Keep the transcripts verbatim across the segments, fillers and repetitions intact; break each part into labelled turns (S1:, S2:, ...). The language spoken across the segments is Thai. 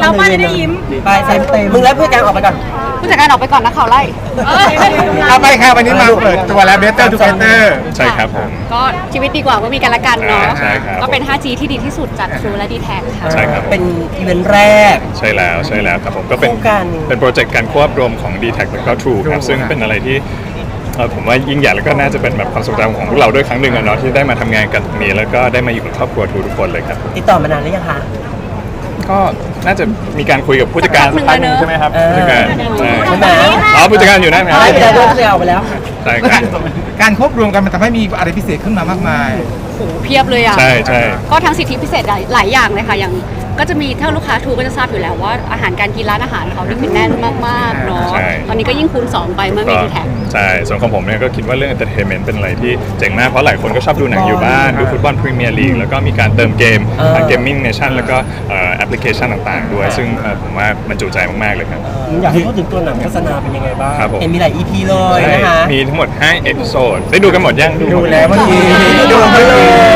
S1: เราไม่ได้ยิ้ม
S2: ไปใส่เต็มมึงแล้วเพื่อนการออกไปก่อน
S3: ผู้จัดการออกไปก่อนนะข่าวไล่
S4: เอาไปค่ะวันนี้มาเปิดตัวแล้ว Better Together
S5: ใช่ครับผม
S3: ก็ชีวิตดีกว่าเมื่อมีกันและกันเนาะ
S5: ใช่ครับ
S3: ก็เป็น ไฟว์จี ที่ดีที่สุดจาก True และ ดี แท็ก ค่ะ
S5: ใช่ครับ
S2: เป็นอีเวนต์แรก
S5: ใช่แล้วใช่แล้วครับผมก็เป็น
S2: โครงการ
S5: เป็นโปรเจกต์การควบรวมของ ดี แท็ก แล้วก็ True ครับซึ่งเป็นอะไรที่เอ่อผมว่ายิ่งใหญ่แล้วก็น่าจะเป็นแบบความทรงจำของพวกเราด้วยครั้งหนึ่งอะเนาะที่ได้มาทำงานกันตรงนี้แล้วก็ได้มาอยู่กับครอบครัว True ทุกคนเลยครับ
S2: ติดต่อมานานหรือยังคะ
S5: ก็น่าจะมีการคุยกับผู้จัดการสักพักหนึงใช่ไหมครับ
S2: เออ
S5: ผู้จัดการใช่
S2: ใช่ไหม
S5: อ๋อผู้จัดการอยู่นั่นครับ
S2: ไปแล้วด้วยเสียออกไปแล้ว
S5: ใช่ครับ
S4: การควบรวมกันมันทำให้มีอะไรพิเศษขึ้นมามากมาย
S3: โหเพียบเลยอ่ะ
S5: ใช่ใช่
S3: ก็ทั้งสิทธิพิเศษหลายหลายอย่างเลยค่ะ อย่างก็จะมีถ้าลูกค้าทูก็จะทราบอยู่แล้วว่าอาหารการกินร้านอาหารเขาที่คือแน่นมากๆเนาะ
S5: ใช่
S3: ตอนนี้ก็ยิ่งคูณสองไปเมื่อมี
S5: ก็
S3: ดีแท็ก
S5: ใช่ส่วนของผมเนี่ยก็คิดว่าเรื่อง entertainment เป็นอะไรที่เจ๋งมากเพราะหลายคนก็ชอบดูหนังอยู่บ้านดูฟุตบอลพรีเมียร์ลีกแล้วก็มีการเติมเกม
S2: เออ
S5: ทางเกมมิ่งเนชั่นแล้วก็เอ่อแอปพลิเคชันต่างๆ ด้วย ซึ่งเอ่อผมว่ามันจุใจมากๆเลยครับ
S6: อยากให้พูดถึงตัวหนังโฆษณาเป็นยังไงบ้าง
S5: ครับผม
S2: เห็นมีหลาย อี พี เลย
S5: ใช่
S2: นะคะ
S5: มีทั้งหมดห้าเอพิโซดได้ดูกันหมดยัง
S4: ดูแล้วเมื่อกี้
S2: ดูไปเลย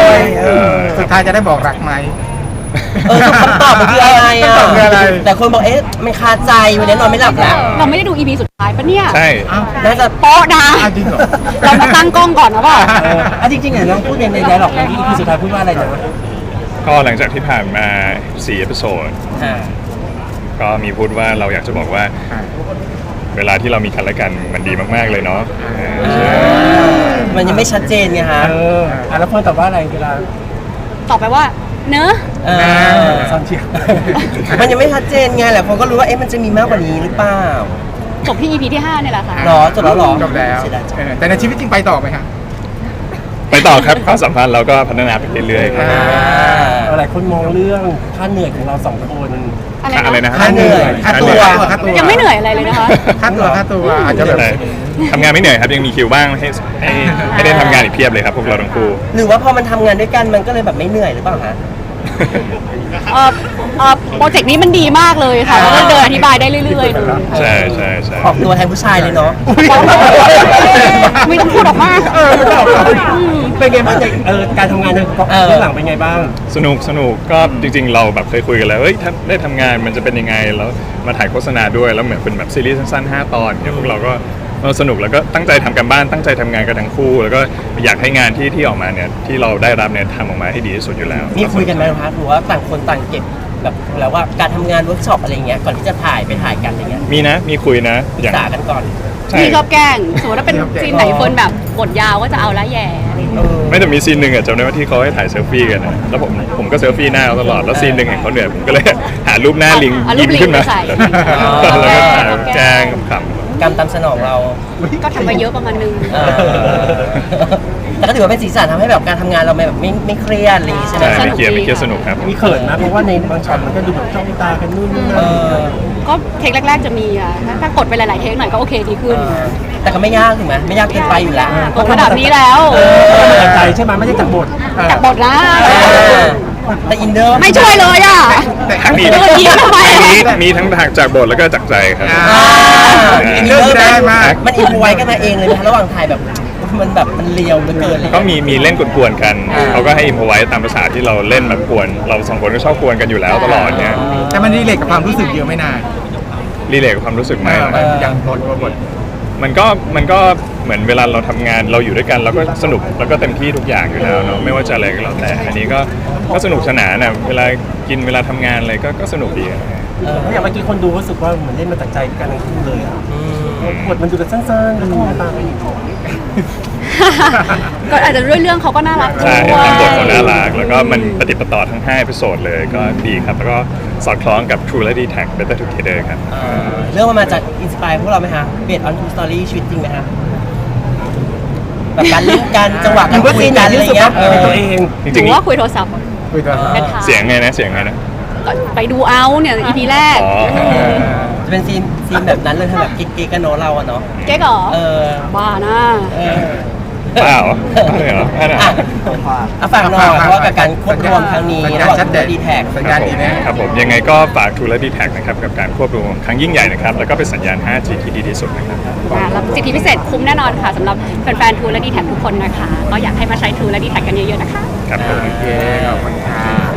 S4: เออสุดท้ายจะได้บอกรักไหม
S2: เออคำตอบมันคืออะไรอ่ะ
S4: คำตอบคืออะไร
S2: แต่คนบอกเอ๊ะมันคาใจวันนี้นอนไม่หลับแล้ว
S3: เราไม่ได้ดู อี พี สุดท้ายปะเนี่ย
S5: ใช่
S2: น่าจะ
S3: โป๊ะนะ
S4: อ้าวจริงเหรอ
S3: เรามาตั้งกล้องก่อนนะว่า
S6: เอออ่ะจริงๆเนี่ยน้องพูดในในไดร็อกในที่สุดท้ายพูดว่าอะไรนะ
S5: ก็หลังจากที่ผ่านมาสี่เอพิโซด
S2: อ่า
S5: ก็มีพูดว่าเราอยากจะบอกว่า เวลาที่เรามีกันและกันมันดีมากๆเลยเนาะเออใช่
S2: มันยังไม่ชัดเจนไงฮะ
S6: เอออ่ะแล้วเพื่อนตอบว่าอะไรเวลา
S3: ตอบไปว่า เนอะ
S2: เออ
S6: ซอนเชียร์
S2: มันยังไม่ชัดเจนไงแหละคนก็รู้ว่าเอ๊ะมันจะมีมากกว่านี้หรือเปล่า
S3: จบที่ อี พี ที่ห้าเนี่ยแหละค่ะ
S2: หรอจบแล้วหรอ
S4: จบแล้ว
S2: เสียดายจัง
S4: เออแต่ในชีวิตจริงไปต่อไหมครับ
S5: ไปต่อครับความสัมพันธ์เราก็พัฒนาไปเรื่อยๆครับ
S2: อ่า
S6: หลายคนมองเรื่องค่าเหนื่อยของเราสองคน
S3: อะไร
S5: อะไร
S3: นะ
S5: นะ
S2: ค่าเหนื่อย
S4: ค่าตัวค่าตัว
S3: ยังไม่เหนื่อยอะไรเลยนะคะ
S4: ค่าตัวค่าตัวอาจจะแบบ
S5: ใช่ทำงานไม่เหนื่อยครับยังมีคิวบ้างให้ให้ให้ได้ทำงานอีกเพียบเลยครับพวกเราทั้งคู่
S2: หรือว่าพอมันทำงานด้วยกันมันก็เลยแบบไม่เหนื่อยหรือเปล่าฮะ
S3: เอ่อเอ่อโปรเจกต์นี้มันดีมากเลยค่ะแล้วก็เดินอธิบายได้เรื่อยๆเลย
S5: ใช่ใช่ใช่
S2: ออกตัวแทนผู้ชายเลยเนาะ
S3: ไม่ต้องพูดออกมา
S6: เป็นไงบ้างในเออการทำงานในกอง
S2: เออ
S6: เบื้องหลังเป็นไงบ้าง
S5: สนุกสนุกก็จริงๆ เราแบบเคยคุยกันแล้วเฮ้ยถ้าได้ทำงานมันจะเป็นยังไงแล้วมาถ่ายโฆษณาด้วยแล้วเหมือนเป็นแบบซีรีส์สั้นๆห้าตอนเนี่ยพวกเราก็เออสนุกแล้วก็ตั้งใจทำกันบ้านตั้งใจทำงานกันทั้งคู่ แล้วก็อยากให้งานที่ที่ออกมาเนี่ยที่เราได้รับเนี่ยทำออกมาให้ดีที่สุดอยู่แล้ว
S2: มีคุยกันไหมคะหรือว่าต่างคนต่างเก็บแบบแล้วว่าการทำงานเวิร์กช็อปอะไรเงี้ยก่อนที่จะถ่ายไปถ่ายกันอะไรเงี้ย
S5: มีนะมีคุยนะ
S2: ปรึ
S5: อก ย่าง
S2: ษากันก่อน
S5: ใช่
S3: มีชอบแกล้งสมมติว่าเป็นซีนไหนคนแบบบทยาวก็จะเอาละแย่อะไรอย่างเงี้ย
S2: เออ
S5: ไม่แต่มีซีนหนึ่งอะจำได้ว่าที่เขาให้ถ่ายเซลฟี่กันนะแล้วผมผมก็เซลฟี่หน้าเขาตลอดแล้วซีนหนึ่งเห็นเขาเหนื่อยผมก็เลย หารูปหน้าลิง
S3: เอารู
S5: ยิ้
S3: ป
S5: ม
S3: ลิง
S5: ขึ้นมา
S3: ไปใส่
S5: แล้วก็ถ่ายแกล้งขำ
S2: กรรมตามสนองเรา
S3: ก็ทำไปเยอะประมาณนึง
S2: เออแต่ก็ถือว่าเป็นสีสันทำให้แบบการทำงานเราแบบไม่ไม่เครียดอะไรอย่างงี้ใช่ไหม
S5: ใช่ไม่เกียร์ไม่เกียร์สนุกครับ
S6: มีเขินนะเพราะว่าในบางช็อตมันก็ดูแบบจ้องตากันนู่นนี่นั่
S2: เอน อ
S3: ก็เทคแรก ๆจะมีอ่ะถ้าถ้ากดไปหลาย ๆ เทคหน่อยก็โอเคดีขึ้น
S2: แต่ก็ไม่ยากถูกไหมไม่ยากเกินไปอยู่แล้ว
S3: กดระดับนี้แล้ว
S2: เออ
S6: จากใจใช่ไหมไม่ใช่จากบท
S3: จากบทนะ
S2: เออแต่อินเนอร์
S3: ไม่ช่วยเลยอ่ะ
S5: มี
S3: เออยิ้มทำไม
S5: มีมีทั้งทางจากบทแล้วก็จากใจครับ
S4: อ่า
S2: อินเนอร์
S4: อินเนอร์ได้มาก
S2: มันอินพอไว้กันมาเองเลยนะระหว่างถ่ายแบบมันแบบมันเลียวเหลือเกินเลย
S5: ก็มีมีเล่นกวนๆกัน
S2: อ่า
S5: เขาก็ให้อิมพอไว้ตามภาษาที่เราเล่นแบบกวน เราสองคนก็ชอบกวนกันอยู่แล้วตลอดเนี่ย
S4: แต่มันรีเลทกับความรู้สึกเยอะไม่นาน
S5: รีเลทกับความรู้สึกไหม
S4: เอออย่างบทตัวบท
S5: มันก็มันก็เหมือนเวลาเราทำงานเราอยู่ด้วยกันเราก็สนุกแล้วก็เต็มที่ทุกอย่างอยู่แล้วเนาะไม่ว่าจะอะไรก็แล้วแต่อันนี้ก็ก็สนุกสนานนะเวลากินเวลาทำงานอะไรก็ก็สนุกดีอะ
S2: เออ
S6: เพราะอย่างเมื่อกี้คนดูรู้สึกว่าเหมือนเล่นมาจากใจกันทั้งคู่เลยอ่ะ
S2: อืม
S6: บทมันดูแบบสั้นๆแล้วก็มองตากันอีก
S3: ก็อาจจะด้วยเรื่องเขาก็น่ารักด้
S5: ใช่
S3: วย
S5: ทำบทเขาน่ารักแล้วก็มันปฏิปต่อทั้งห้าเอพิโซดเลยก็ดีครับแล้วก็สอดคล้องกับ True และ ดี แท็ก Better Together ครับ
S2: เออเรื่องมันมาจากอินสปายพวกเราไหมฮะเบสออนทูสตอรี่ชีวิตจริงไหมฮะแบบการเล่นกันจังหวะการคุยกันอะไรเงี้ยเอ
S6: เป็น
S2: อ
S6: ตัวเอง
S5: จ
S3: ห
S5: ริ
S3: รื
S5: ง
S3: อว่าคุยโทรศัพท์
S4: คุยตัว
S3: เป็นทาง
S5: ๆเสียงไงนะเสียงไงนะ
S3: ก็ไปดูเอาเนี่ย อี พี แรก
S5: อ๋อ
S2: จะเป็นซีนซีนแบบนั้นเลยแบบกิ๊กๆกันเนาะเราอะเนาะ
S3: เก๊กเหรอ
S2: เออ
S3: บ้านะ
S2: เออ
S5: เปล่าไม่เหรอไม่เหรอ
S2: อ่ะอ่ะฝากหน่อยเพราะว่ากับการควบรวมครั้งนี้
S4: สัญ
S2: ระ
S4: ญา
S2: ห
S4: ณ
S2: ว่าง
S4: ชัดเจน
S2: ดีแท็ก
S4: สัญญาณดีแน่
S5: ครับผมยังไงก็ฝาก True และ ดี แท็ก นะครับกับการควบรวมครั้งยิ่งใหญ่นะครับแล้วก็เป็นสัญญาณ ห้าจี ที่ดีที่สุดนะครับ
S3: อ่าแล้วสิทธิพิเศษคุ้มแน่นอนค่ะสำหรับแฟนๆ True และ ดี แท็ก ทุกคนนะคะ ก็อยากให้มาใช้ True และ ดี แท็ก กันเยอะๆนะคะ
S5: ครับผม
S4: โอเคขอบคุณค่ะ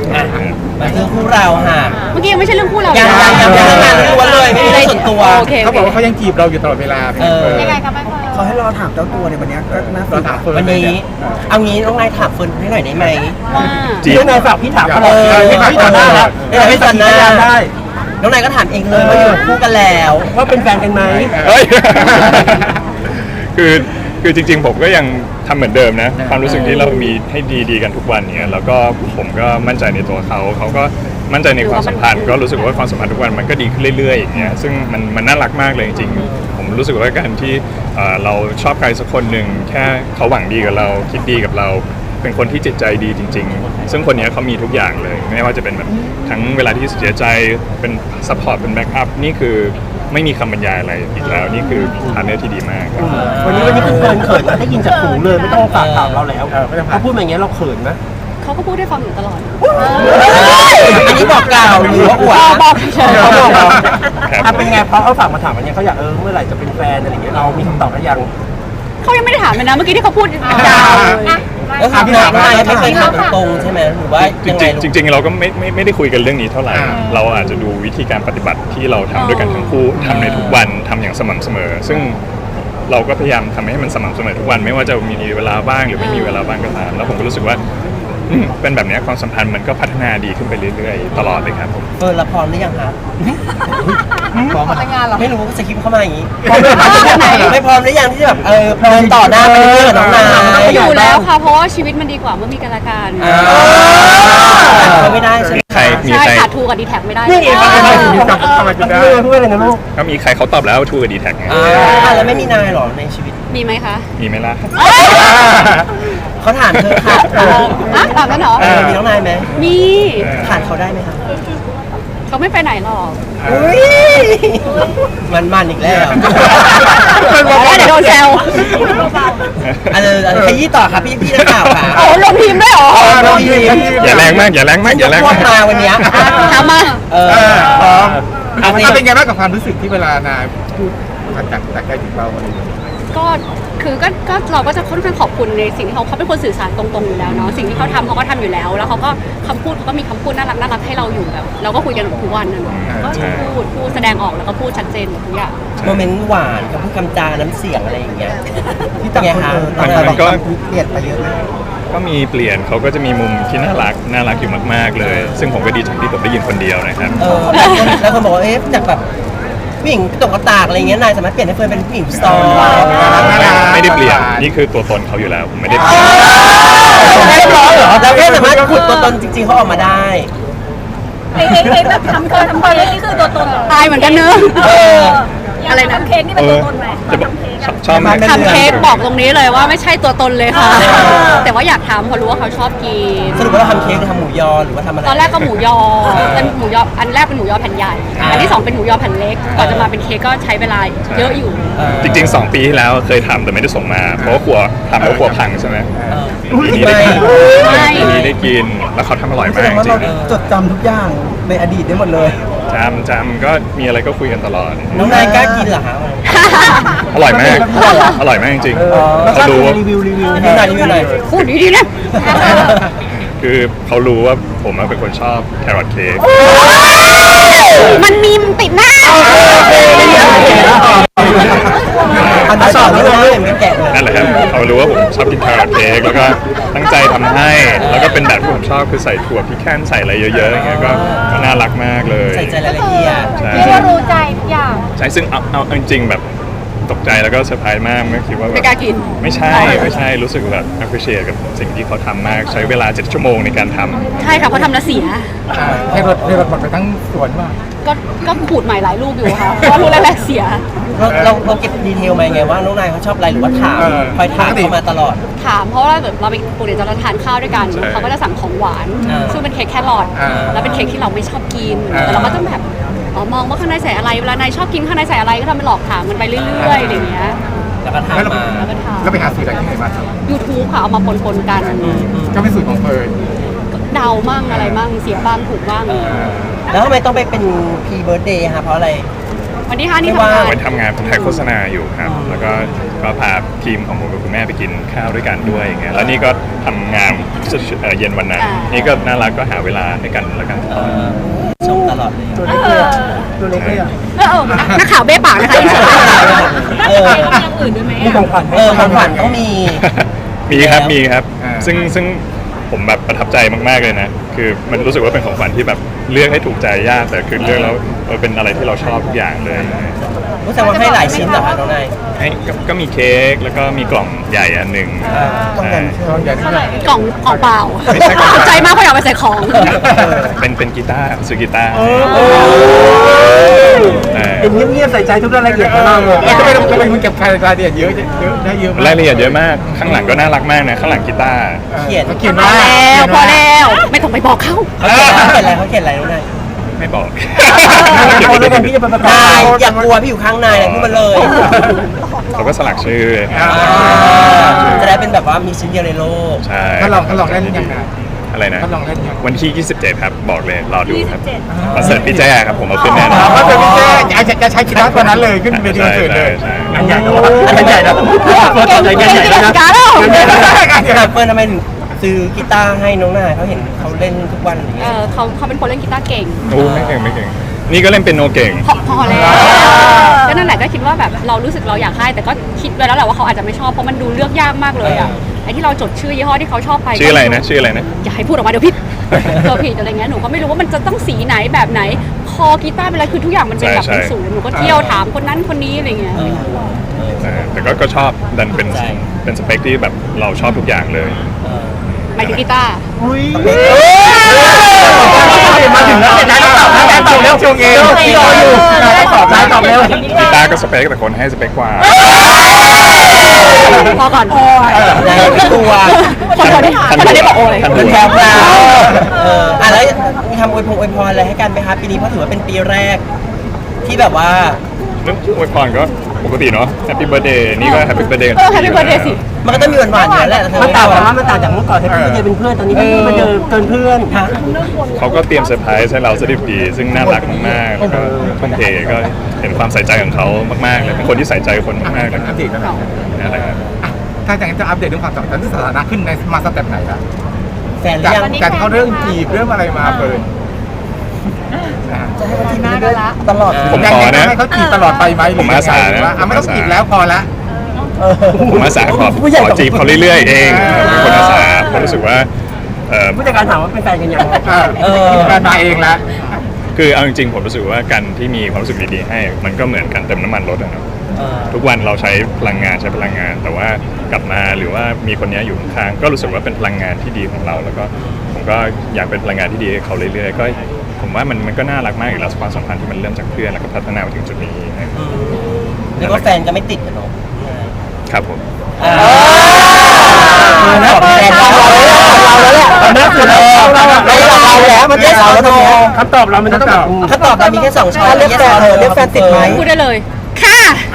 S2: อ่ะมาคือคู่เราค่ะ
S3: เมื่อกี้ยังไม่ใช่เรื่องคู่เรา
S2: ยังยังยังยังงานล้วนเลยไม่มีเรื่องส่วนตัว
S3: โอเค
S4: เขาบอกว่าเขายังจีบเราอยู่ตลอดเวลาเป็น
S2: เออ
S4: เฟิร์น
S1: ยังไงกันบ้างคะ
S7: เขาให้รอถามเจ้าตัวในวันเนี้ยก็น่าส
S4: เรา
S7: นใจ
S4: ถามเฟิร์น
S2: วันนี้
S4: เลยเย
S2: เอางี้น้องนายถามเฟิร์นให้หน่อยได้ไหม
S3: ว่า
S5: จีบ
S6: เรื่องนายฝากพี่ถามตลอด
S2: เออ
S6: พี่ถามตลอด
S2: เออไม่สนหน้า
S6: ได้
S2: น้องนายก็ถามเองเลยว่าอยู่คู่กันแล้ว
S6: ว่าเป็นแฟนกันไหม
S5: เฮ้ย คือคือจริงๆผมก็ยังทำเหมือนเดิมนะ ความรู้สึกที่เรามีให้ดีๆกันทุกวันเนี้ยแล้วก็ผมก็มั่นใจในตัวเขาเขาก็มั่นใจในความสัมพันธ์ก็รู้สึกว่าความสัมพันธ์ทุกวันมันก็ดีขึ้นเรื่อยๆอย่างเงี้ยซึ่งมันมันน่ารักมากเลยจริงๆผมรู้สึกว่าการที่เอ่อเราชอบใครสักคนหนึ่งแค่เขาหวังดีกับเราคิดดีกับเรา เป็นคนที่จิตใจดีจริง ๆ ซึ่งคนเนี้ยเขามีทุกอย่างเลย ไม่ว่าจะเป็นแบบทั้งเวลาที่เสียใจเป็นซัพพอร์ตเป็นแบ็กอัพนี่คือไม่มีคำบรรยายอะไรอีกแล้วนี่คือพาร์ทเนอร์ที่ดีมากครับ
S6: วันนี้วันนี้คือเฟิร์นเขินได้ยินจากหูเลยไม่ต้องฝากถามเราแล้ว
S4: เออไม่ต้องถาม
S6: เขาพูดมาอย่างเงี้ยเราเขินไหม
S3: เขาก็พูดให้ฟังอยู่ตลอด
S2: อันนี้บอกกล่าวหรือว่าอวด
S3: บอกบอกเฉย
S6: เขาบอกเรา
S5: ครับ
S6: อ่ะเป็นไงเพราะเขาฝากมาถามวันนี้เขาอยากเออเมื่อไหร่จะเป็นแฟนอะไรอย่างเงี้ยเรามีคำตอบหรือยัง
S3: ๆเขายังไม่ได้ถามเลยนะ เมื่อกี้ที่เขาพูดยาวเลย
S2: ก็คือน้องนายไม่เคยถามตรงๆใช่ไหมหรือว่า
S5: จ
S2: ยังไง
S5: ริง
S2: ลูก
S5: ๆจริงๆเราก็ไม่ไม่ไม่ได้คุยกันเรื่องนี้เท่าไหร่
S4: อ่า
S5: เราอาจจะดูวิธีการปฏิบัติที่เราทำด้วยกันทั้งคู่ทำในทุกวันทำอย่างสม่ำเสมอ ซึ่งเราก็พยายามทำให้มันสม่ำเสมอทุกวัน ไม่ว่าจะมีเวลาบ้างหรือไม่มีเวลาบ้างก็ตามแล้วผมก็รู้สึกว่าอืมเป็นแบบเนี้ยความสัมพันธ์มันก็พัฒนาดีขึ้นไปเรื่อยๆ ตลอดเลยครับผม
S2: เฟิร์นละพร้อมหรือยังครับ
S1: พร้อมแต่งงานเหรอ
S2: ไม่รู้สคริปต์เข้ามาอย่างนี้
S3: พร้อมไหน
S2: ไม่พร้อมหรือยังที่จะแบบเออเดินต่อหน้าไปเรื่อยๆกับน้องนาย
S3: อยู่แล้วค่ะ เพราะว่าชีวิตมันดีกว่าเมื่อมีกันและกัน
S2: อ่าเขาไม่ได้ใช่ไหม
S5: ใครมี
S3: ใช่
S5: ใคร
S3: ขาดทูกับดีแท็กไม่ได้
S6: นี่เอง
S3: เอ
S6: ทำไม
S3: อ
S6: ถึงกับทำไมถึงได้พูดอะไรนะลูก
S5: ก็มีใครเขาตอบแล้วทูกับดีแท็กไง
S2: อ่าแล้วไม่มีนายเหรอในชีวิต
S3: มีไหมคะ
S5: มีไหมล่ะ
S2: เขาถามเธอค่ะ
S3: เอออ่ะตามนั้นเหรอ
S2: เออมีน้องนายไหม
S3: มี
S2: ผ่านเขาได้ไหมคะ
S3: เขาไม่ไปไหนหรอก
S2: อุ้ยมันมันๆอีกแล้ว
S3: แล้วเดี๋ยวโดนแซว
S2: อันนี้อันนี้ขยี้ต่อค่ะพี่พี่นักข่าวค่ะ
S3: โอ้ลงทีมด้วยเหรอ
S2: เราดี
S5: อย่าแรงมากอย่าแรงมากอย่าแรง
S2: พว
S5: มาก ก
S2: มาวันเนี้ย
S3: ถามมา
S2: เออ
S4: เออพร้อม
S2: เอา
S4: เอาเป็นไงบ้างกับความรู้สึกที่เวลานายพูดจากจากใจถึงเราอะไรอย่างเงี้ย
S3: ก็คือก็ก็เราก็จะค่อนข้างขอบคุณในสิ่งที่เขาเขาเป็นคนสื่อสารตรงๆอยู่แล้วเนาะสิ่งที่เขาทำเขาก็ทำอยู่แล้ว แล้วเขาก็คำพูดเขาก็มีคำพูดน่ารักน่ารักให้เราอยู่แบบเราก็คุยกันทุกวันนะเนาะก็พูดพูดแสดงออกแล้วก็พูดชัดเจนหมดทุกอย่าง
S2: โมเมนต์หวานกับพูดคำจาน้ำเสียงอะไรอย่างเงี้ย
S7: ที่ต่างคนเออต่างคนต่างเปลี่ยนไปเยอะเลย
S5: ก็มีเปลี่ยนเขาก็จะมีมุมที่น่ารักน่ารักอยู่มากๆเลย ซึ่งผมก็ดีใจที่ผมได้ยินคนเดียวนะครับ
S2: เออแล้วคนบอกว่าเอ๊ะจากแบบผู้หญิงตกกระตากอะไรเงี้ยนายสามารถเปลี่ยนให้เฟิร์นเป็นผู้หญิงสตรอง
S5: ไม่ไม่ได้เปลี่ยนนี่คือตัวตนเขาอยู่แล้วผมไม่ได้เปลี่ยน
S2: ได้ร้องเหรอเราแค่สามารถขุดตัวตนจริงๆเขาออกมาได้
S1: ไอ้ไอ้ไอ้แบบทำเค้กทำเค้กนี่คือตัวตนเหรอ
S3: อายเหมือนกันเนอะ
S2: เออ
S3: อะไรนะ
S1: ทำเค้กนี่เป็นตัวตนไหม
S5: จะบอก
S1: ทำเค้ก
S5: ชอ
S1: อะ
S5: บชอบไหม
S2: ไม่
S3: ทำเค้กบอกตรงนี้เลยว่าไม่ใช่ตัวตนเลยค่ะ
S2: เออ
S3: แต่ว่าอยากทำเพราะรู้ว่าเขาชอบกิน
S2: สรุปว่าเราทำเค้กหรือทำหมูยอหรือว่าทำอะไร
S3: ตอนแรกก็หมูยอเป็นหมูยออันแรกเป็นหมูยอแผ่นใหญ่
S2: อ่า
S3: อันที่สองเป็นหมูยอแผ่นเล็กก่อนจะมาเป็นเค้กก็ใช้เวลาเยอะอยู่
S2: เออ
S5: จริงๆสองปีที่แล้วเคยทำแต่ไม่ได้ส่งมา เพราะว่ากลัวทำแล้วกลัวพังใช่ไหม
S2: เออ
S5: ปีนี้ได้กิน
S3: ไม่
S5: ปีนี้ได้กินแล้วเขาทำอร่อย
S7: แส
S5: มาก
S7: ดงว่า
S5: จริ
S7: เรา
S5: ง
S7: จดจำทุกอย่างในอดีตได้หมดเลย
S5: ๆจำจำก็มีอะไรก็คุยกันตลอด
S2: น้องนายกล้ากินเหรอคะ
S5: อร่อยมาก อร่อยมากจริง
S6: เออ
S5: ๆ
S6: แล้วก็
S5: เขารู้ว่า
S6: รีวิวรีวิว
S2: รีวิวหน่อยรีวิวหน่อย
S3: พูดดีๆนะ
S5: คือเขารู้ว่าผมอะเป็นคนชอบแครอทเค้ก
S3: มันมีมติดหน้า
S2: อันนั้นต่อไม่ได้ไม่แกะเลย
S5: นั่นแหละครับเขารู้ว่าผมชอบกินแครอทเค้กแล้วก็ตั้งใจทำให้ แล้วก็เป็นแบบที่ผมชอบคือใส่ถั่วพิแคนใส่อะไรเยอะๆอย่างเงี้ยก็ก็น่ารักมากเลย
S2: ใส่ใจรายละเอียด
S5: ใช่
S1: เรียกว่ารู้ใจทุกอย่าง
S5: ใช่ซึ่งเอาเอาเอาจริงๆแบบตกใจแล้วก็เซอร์ไพรส์มากไม่คิดว่าแบบ
S3: ไม่กล้ากิน
S5: ไม่ใช่ไม่ใช่รู้สึกแบบ appreciate กับสิ่งที่เขาทำมากใช้เวลาเจ็ดชั่วโมงในการทำ
S3: ใช่ค่ะเพราะทำแล้วเสีย
S4: ให้รถให้รถหมดไปทั้งสวนว่า
S3: ก็ก็ขูดใหม่หลายลูกอยู่ค่ะ เพราะว่าลูกแรกๆเสีย
S2: เราเราเราเก็บดีเทลมาไงว่าน้องนายเขาชอบอะไรหรือว่าถาม
S4: เออ
S2: คอยถามเขามาตลอด
S3: ถามเพราะว่าแบบเราไปปกติเราทานข้าวด้วยกัน
S5: ใช่
S3: เขาก็จะสั่งของหวาน
S2: อ่า
S3: ซึ่งเป็นเค้กแครอท
S4: อ่า
S3: แล้วเป็นเค้กที่เราไม่ชอบกิน
S4: อ่า
S3: แต่เราก็จะแบบอ๋อมองว่าข้างในใส่อะไรเวลานายชอบกินข้างในใส่อะไรก็ทำเป็นหลอกถามมันไปเรื่อยๆอะไรอย่างเงี้ย
S2: แล้วก็ถาม
S4: แล้วเรา
S2: มา
S3: แล้วก็ถาม
S4: แล้วไปหาสูตรจากที่ไหนมาครับ
S3: YouTube ค่ะเอามาปนๆกัน
S4: ก็เป็นสูตรของเฟิร์น
S3: เดามั่งอะไรมั่งเสียบ้างถูกบ้าง
S2: แล้วทำไมต้องไปเป็นพีเบิร์ดเดย์คะเพราะอะไร
S3: วันที่ห้านี่ทำงาน
S5: ไปทำงานถ่ายโฆษณาอยู่ครับแล้วก็ก็พาทีมของผมกับคุณแม่ไปกินข้าวด้วยกันด้วยอย่างเงี้ยแล้วนี่ก็ทำงานเอ่อเย็นวันนั้นนี่ก็น่ารักก็หาเวลาให้กันแล้วกัน
S2: เออชมตลอดเลย
S7: ตัวเล็กเลยอะตัวเล็กเลยอะ
S3: เออเออนักข่าวเบ้ปากนะคะอินสตา
S2: เออ
S1: มีอย่างอื่นด้วยไหม
S7: มีของขวัญให้
S2: เออของขวัญต้องมี
S5: มีครับมีครับซึ่งซึ่งผมแบบประทับใจมากๆเลยนะคือมันรู้สึกว่าเป็นของขวัญที่แบบเลือกให้ถูกใจยากแต่คือเลือกแล้วเออเป็นอะไรที่เราชอบทุกอย่างเลย
S2: รู้สึกว่าให้หลายชิ้นเหรอคะน้องนาย
S5: ให้ก็ก็มีเค้กแล้วก็มีกล่องใหญ่อันหนึ่ง
S7: ต้องการเชื่อ
S4: ต้องอย่างนี้
S3: กล่องกล่องเปล่า
S5: ไม่ใช่กล่อง
S3: ตกใจมากเพราะอยากไปใส่ของ
S5: เป็นเป็นกีตาร์ซื้อกีตาร์ใช่
S7: เป็นเงียบๆใส่ใจทุกรายละเอียดของเราเลย
S4: ทำไมทำไมมึงเก็บรายละเอียดเยอะเยอะได้เยอะมาก
S5: รายละเอียดเยอะมากข้างหลังก็น่ารักมากนะข้างหลังกีตาร์
S2: เขียน
S4: เขาเขียน
S3: พอ
S4: ว่า
S3: แล้วพอแล้วไม่ต้องไปบอกเขา
S2: เขาเขียนอะไรเขาเขียนอะไรน้องนาย
S5: ไม่บอก
S7: เอาแล้วกันพี่จะไปประกาศ
S2: นายอย่ากลัวพี่อยู่ข้างนายนะพูดมาเลย
S5: เขาก็สลักชื่อเลยค
S4: อ่า
S5: รับ
S2: จะได้เป็นแบบว่ามีชิ้นเดียวในโลก
S5: ใช่
S4: ถ้าลองถ้าลองเล่นยังไง
S5: อะไรนะ
S4: ถ้าลองเล่นยัง
S5: วันที่ ยี่สิบเจ็ด ครับ บอกเลย รอดูครับคอนเสิร์ตพี่แจ้ครับ ผมเอาขึ้นแน่นอน
S4: ถ้าเป็นพี่เจ๊จะจะใช้กีตาร์ตัวนั้นเลยขึ้นเวทีคอน
S5: ใช่
S4: เสิร์ตเล
S5: ใช่
S4: ย
S5: ใช่
S7: งานใหญ่นะงานใหญ่นะ
S3: เก่งเก่งเก่งการแล้ว
S2: ถามเฟิร์นทำไมถึงซื้อกีตาร์ให้น้องนายเขาเห็นเขาเล่นทุกวันอย่าง
S3: เอ
S2: เงี้ย
S3: อเขาเขาเป็นคนเล่นกีตาร์เก่ง
S5: โอ้ไม่เก่งไม่เก่ง นี่ก็เล่นเป็นโนเก่ง
S3: พอพอแล้วก็นั่นแหละก็คิดว่าแบบเรารู้สึกเราอยากให้แต่ก็คิดไว้แล้วแหละว่าเขาอาจจะไม่ชอบเพราะมันดูเลือกยากมากเลยอ่ะไอ้ที่เราจดชื่อยี่ห้อที่เขาชอบไป
S5: ชื่ออะไรนะ ชื่ออะไรนะ
S3: อย่าให้พูดออกมาเดี๋ยวผิดตัวผิดอะไรเงี้ยหนูก็ไม่รู้ว่ามันจะต้องสีไหนแบบไหนคอกีตาร์เป็นอะไรคือทุกอย่างมันเป็นแบบ
S5: ใช่
S3: เป็น
S5: ใช่
S3: ศูนย์หนูก็เที่ยวถามคนนั้นคนนี้อะไรเงี้ย
S2: เออ
S5: เออแต่ก็ก็ชอบดันเป็น
S2: ใช่
S5: เป็นสเปคที่แบบเราชอบทุกอย่างเลย
S2: เออ
S3: หมายถึงกีตาร์
S7: มาถึงแล้วนายตอบนายตอบแล้วชงเองรออยู่นายตอบนายตอบแล้ว
S5: กีตาร์ก็สเปคแต่คนให้สเปคกว่า
S3: พอก่อน
S2: นายไม่กลัว
S3: คนคนที่คนคนที่บอกโอ้ย
S2: เป็นแถวพราวเอออ่ะแล้วมีทำอวยพงอวยพรอะไรให้กันไหมคะปีนี้เพราะถือว่าเป็นปีแรก ที่แบบว่า
S5: เรื่องอวยพรก็ปกติเนาะ Happy Birthday นี่ก็ Happy Birthday
S3: เออ Happy Birthday สิ
S2: มันก็ต้องมีหวานๆอยู่แล้วแหละ
S7: มันต่างกันว่ามันต่างจากเมื่อก่อนที่พี่เป็นเพื่อนตอนนี้พี่มาเดินเกินเพื่อนฮะ
S5: เขาก็เตรียมเซอร์ไพรส์ให้เราสดิบดี ซึ่งน่ารักมากๆแล้วก็ทุ่มเทก็เห็นความใส่ใจของเขามากๆเลยเป็นคนที่ใส่ใจคนมากๆเลยค
S4: อั
S5: รับ
S4: ปเดตกันหน่อย
S5: นั่นแหละครับ
S4: อ่ะถ้าอย่างนั้นจะอัปเดตเรื่องความสัมพันธ์ที่สถานะขึ้นในมาสเต็ปไหนล่ะ
S2: แฟนหรื
S4: จาก
S2: อยัง
S4: จากเขาเรื่องจีบเรื่องอะไรมาเปิดนะ
S7: จะให้มาทีนี้ด้วยตลอด
S5: ผม
S4: ยัง
S5: ขอ
S4: ยัง
S5: นะ
S4: ให้เขาจีบตลอดไปไหมหรือ
S5: ผมอาสานะ
S4: หรือว่าอ่ะไม่ต้องจีบแล้วพอละ
S5: ผมอาสาขอขอจีบเขาเรื่อยๆเองเป็นคนอาสาเพราะรู้สึกว่าเอ่อ
S7: ผู้จัดการถามว่าเป็นแฟนกันยัง
S4: อ่ะเออการมาเองละ
S5: คือเอาจริงๆผมรู้สึกว่าการที่มีความรู้สึกดีๆให้ มันก็เหมือนการเติมน้ำมันรถอะเนาะ
S2: เออ
S5: ทุกวันเราใช้พลังงานใช้พลังงาน แต่ว่ากลับมาหรือว่ามีคนนี้อยู่ข้างๆก็รู้สึกว่าเป็นพลังงานที่ดีของเรา แล้วก็ผมก็อยากเป็นพลังงานที่ดีให้เขาเรื่อยๆก็ผมว่ามันมันก็น่ารักมากอยู่แล้วความสัมพันธ์ที่มันเริ่มจากเพื่อนแล้วก็พัฒนามาถึงจุดนี้นะครับ
S2: อืมเรียกว่าแฟนก็ไม่ติดกันเนาะ
S5: ครับผม
S2: อ่าแฟนเราแล้วแหละ
S7: เราแล้วแหละเราเราแล้วมันได้เราแล้วตรงนี้คำตอบเรามันจะต้อง
S2: ถ้าตอบมามีแค่สองช้อย
S7: เรียกแฟนเออเรียกแฟนติดไหม
S3: พูดได้เลย ค่ะ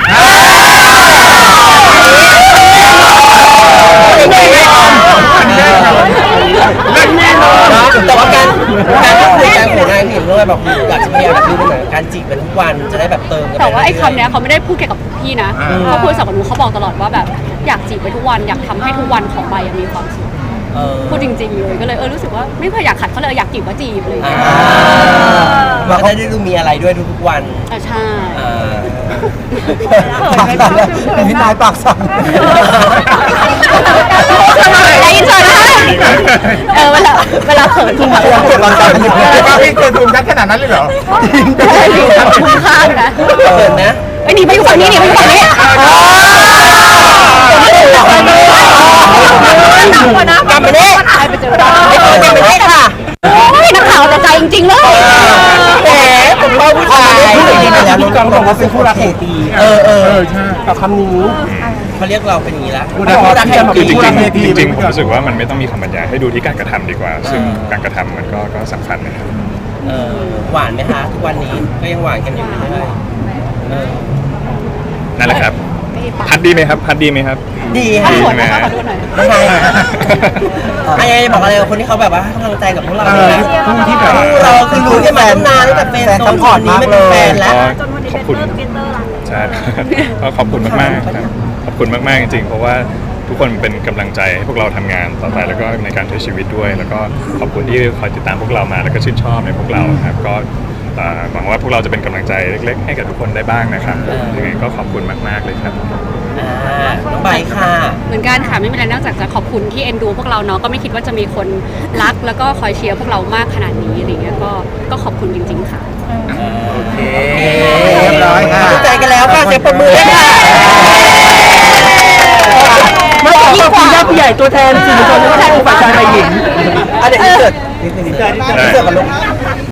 S2: แต่ว่าการการพูดคุยกันของนายเห็นด้วยแบบอยากจะพยายามแบบดูเหมือนการจีบกันทุกวันจะได้แบบเติมกัน
S3: แต่ว่าไอ้คำเนี้ยเขาไม่ได้พูดแค่กับพี่นะเขาพูดกับหนูเขาบอกตลอดว่าแบบอยากจีบไปทุกวันอยากทำให้ทุกวันของใบอะมีความสุข
S2: เออ
S3: พูดจริงๆเลยก็เลยเออรู้สึกว่าไม่เคยอยากขัดเขาเลยอยากจีบก็จีบเลย
S2: อ่ามันก็ได้ดูมีอะไรด้วยทุกๆวัน
S3: อ่ะใช่
S2: อ่า
S7: ปากสั่นแล้วเป็นพี่นายปากสั่น
S3: ไอ้อินเสิร์ตนะคะเออเวลาเวลาเขินทุกคน
S7: เกิดร้อนใจอยู่
S4: ว่าพี่เคยทูมชัดขนาดนั้นเลยเหรอ
S3: คุ้มค่านะ
S2: เขินนะ
S3: ไอ้หนีไปอยู่ฝั่งนี้หนีไปอยู่ฝั่งนี้
S2: กลับมาเนี้
S3: ไปเจอ
S2: ไม่เขินกลับมาเนี้ค่ะ
S3: โอ้ยนักข่าวแต่ใจจริงๆเลย
S2: แหมผมชอบผู้ชาย
S7: ผู้หญิงไปแล้วน้องกองบอกว่าเป็นคู่รักแห่งปี
S2: เออเออ
S4: ใช่
S7: กับคำนี้
S2: เขาเรียกเราเป็นอย่างนี้ละ
S4: ผู้รักแห่งปี
S5: คือจริง
S4: ผู้รักเวที
S5: ๆจริงๆผมรู้สึกว่ามันไม่ต้องมีคำบรรยายให้ดูที่การกระทำดีกว่า ซึ่งการกระทำมันก็ก็สำคัญนะครับ
S2: เออหวานไหมคะทุกวันนี้ก็ยังหวานกันอยู่เรื่อยๆเออ
S5: นั่นแหละครับพัดดีไหมครับพัดดีไหมครับ
S2: ดี
S3: ขอ
S2: ค่ะ
S3: โทษนะคะขอโทษหน่อย
S2: ไม่ใช่ไอ้ยังบอกอะไรกับคนที่เขาแบบว่าให้กำลังใจกับพวกเรา
S4: เออ
S2: นะ
S4: ผู้ที่แบบ
S2: เราคือรู้กันมาตั้งนานตั้งแต่เป็น
S7: แฟน
S2: โซ
S7: ซั
S2: น
S7: พพอร์ต
S2: นี้
S7: มาก
S2: ไม่
S7: เล
S2: เป็นแฟ
S7: ย
S2: นแล้ว
S5: ขอบคุณใช่ ก็ขอบคุณมากๆครับขอบคุณมากๆจริงๆ เพราะว่าทุกคนเป็นกำลังใจให้พวกเราทำงานต่อไปแล้วก็ในการใช้ชีวิตด้วย แล้วก็ขอบคุณที่คอยติดตามพวกเรามาแล้วก็ชื่นชอบในพวกเราครับก็เอ่อหวังว่าพวกเราจะเป็นกำลังใจเล็กๆ ให้กับทุกคนได้บ้างนะครับยังไงก็ขอบคุณมากๆเลยครับ
S2: อ่าน้องใบค่ะ
S3: เหมือนกันค่ะไม่มีอะไรนอกจากจะขอบคุณที่เอ็นดูพวกเราเนาะก็ไม่คิดว่าจะมีคนรักแล้วก็คอยเชียร์พวกเรามากขนาดนี้อะไรเงี้ยก็ก็ขอบคุณจริงๆค่ะ
S4: โอเคเรียบร้อยค่ะ
S2: เข้าใจกันแล้วค่ะเสียงปรบมือด้วยค่ะ
S6: เมื่อกี้ขอบคุณญาติผู้ใหญ่ตัวแทนสื่อมวลชนและก็ผู้ฝ่ายชายฝ่ายหญิง
S2: อ่ะเดี๋ยวอินเสิร์ตอินเสิร์ตอินเสิร์ตกันลูก